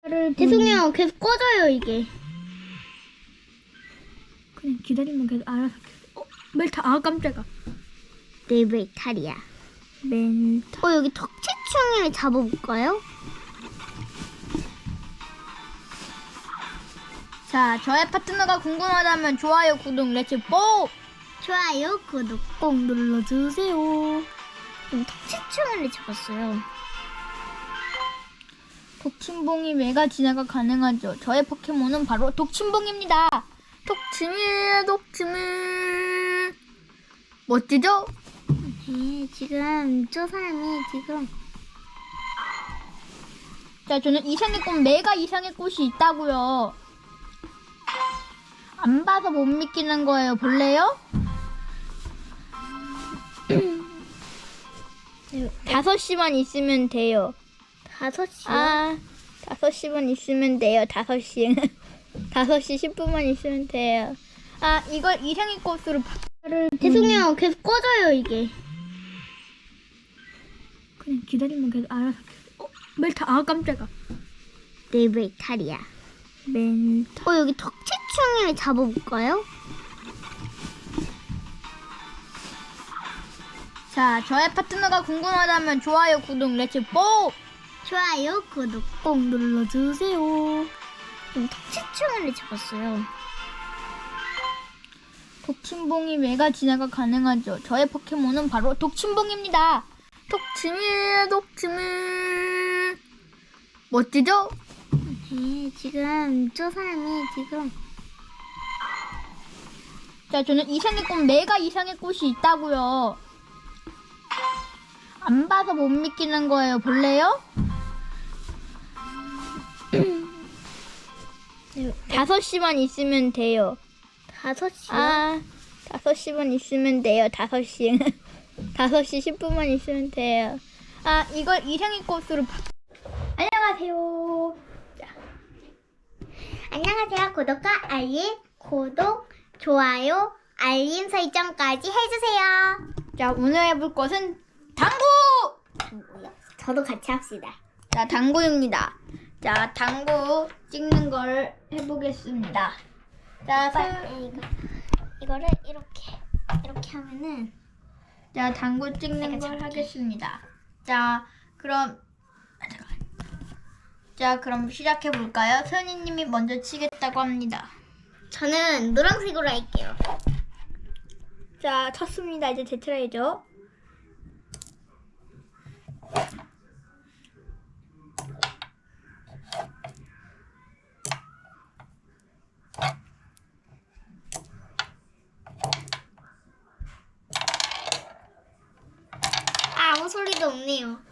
죄송해요. 계속 꺼져요 이게. 그냥 기다리면 계속 알아서 멜타. 아 깜짝아. 네, 멜탈이야. 멜타. 여기 턱치충을 잡아볼까요? 자, 저의 파트너가 궁금하다면 좋아요, 구독, 렛츠고! 좋아요, 구독 꼭 눌러주세요. 턱치충을 잡았어요. 독침봉이 메가 진화가 가능하죠. 저의 포켓몬은 바로 독침봉입니다. 독침일. 멋지죠? 네, 지금 저 사람이 지금 자, 저는 이상의 꽃, 메가 이상의 꽃이 있다고요. 안 봐서 못 믿기는 거예요. 볼래요? 5시만 있으면 돼요. 5시요? 5시만 있으면 돼요. 5시. 5시 10분만 있으면 돼요. 이걸 이상의 꽃으로 죄송해요. 계속 꺼져요 이게. 그냥 기다리면 계속 알아서. 멜타. 아 깜짝아. 네, 멜탈이야. 멜타. 여기 턱치충을 잡아볼까요? 자, 저의 파트너가 궁금하다면 좋아요, 구독, 렛츠고! 좋아요, 구독 꼭 눌러주세요. 턱치충을 잡았어요. 독침봉이 메가 진화가 가능하죠. 저의 포켓몬은 바로 독침봉입니다. 독침일. 멋지죠? 네, 지금 저 사람이 지금 자, 저는 이상의 꽃, 메가 이상의 꽃이 있다고요. 안 봐서 못 믿기는 거예요. 볼래요? 5시만 있으면 돼요. 5시요? 5시만 있으면 돼요. 5시. 5시 10분만 있으면 돼요. 이걸 이상의 꽃으로 안녕하세요. 안녕하세요. 구독과 알림, 좋아요, 알림 설정까지 해주세요. 자, 오늘 해볼 것은 당구! 저도 같이 합시다. 자, 당구입니다. 자, 당구 찍는 걸 해보겠습니다. 자, 이거를 이렇게 하면은 자, 당구 찍는 걸 하겠습니다. 자, 그럼 시작해 볼까요? 선희님이 먼저 치겠다고 합니다. 저는 노란색으로 할게요. 자, 쳤습니다. 이제 제 차례죠. 아무 소리도 없네요.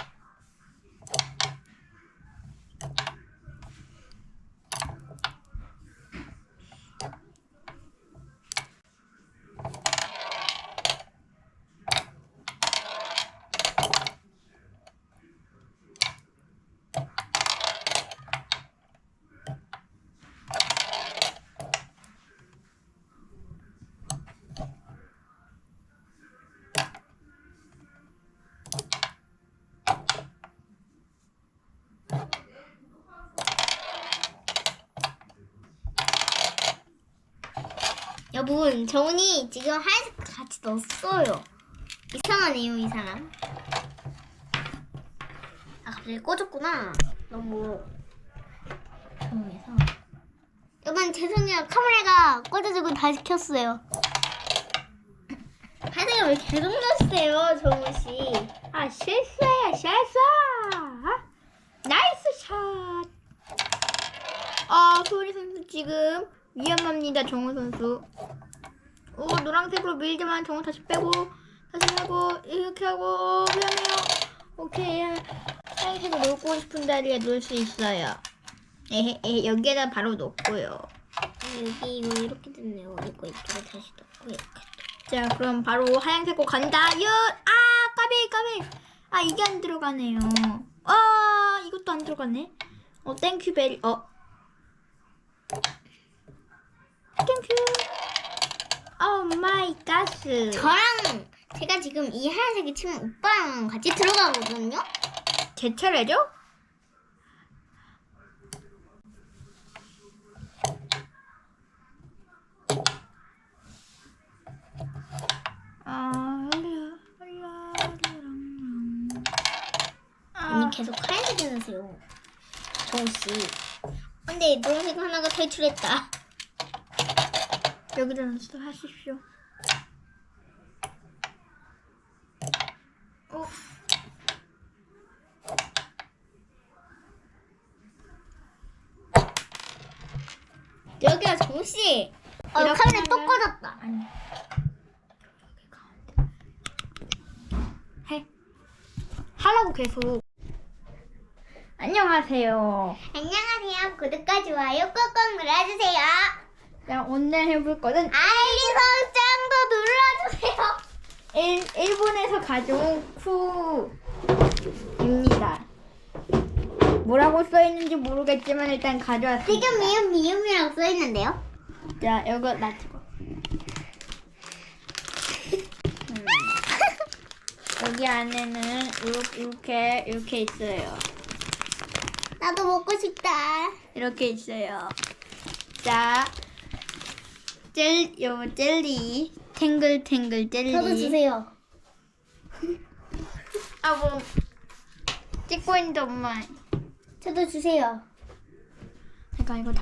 여러분, 정훈이 지금 하얀색 같이 넣었어요. 이상하네요, 이 사람. 갑자기 꺼졌구나. 너무 조용해서. 여러분, 죄송해요. 카메라가 꺼져지고 다시 켰어요. 하얀색을 왜 계속 넣으세요, 정훈씨? 실수예요, 실수! 나이스 샷! 소리 선수 지금 위험합니다, 정우 선수. 노란색으로 밀지만 정우 다시 빼고, 다시 하고, 이렇게 하고, 위험해요. 오케이. 하얀색을 놓고 싶은 자리에 놓을 수 있어요. 여기에다 바로 놓고요. 여기 이거 이렇게 됐네요. 이거 이쪽에 다시 넣고 이렇게. 자, 그럼 바로 하얀색으로 간다. 까비. 이게 안 들어가네요. 이것도 안 들어가네. 땡큐 베리. 땡큐. 오 마이 갓. 저랑 제가 지금 이 하얀색이 치면 오빠랑 같이 들어가거든요. 제 차례죠? 안녕하세요. 정우씨. 근데 노란색 하나가 탈출했다. 여기다 넣어서 하십시오. 여기가 정우씨. 이렇게 카메라 또 하면- 꺼졌다. 아니. 해. 하라고 계속. 안녕하세요. 안녕하세요. 구독과 좋아요 꾹꾹 눌러주세요. 자, 오늘 해볼 거는 알림 설정도 눌러주세요. 일본에서 가져온 쿠입니다. 뭐라고 써있는지 모르겠지만 일단 가져왔습니다. 지금 미음이라고 써있는데요. 자, 이거 놔두고. 여기 안에는 이렇게 있어요. 나도 먹고 싶다. 이렇게 있어요. 자, 요 젤리, 탱글탱글 젤리. 저도 주세요. 아, 뭐 찍고 있는데 엄마. 저도 주세요. 잠깐 이거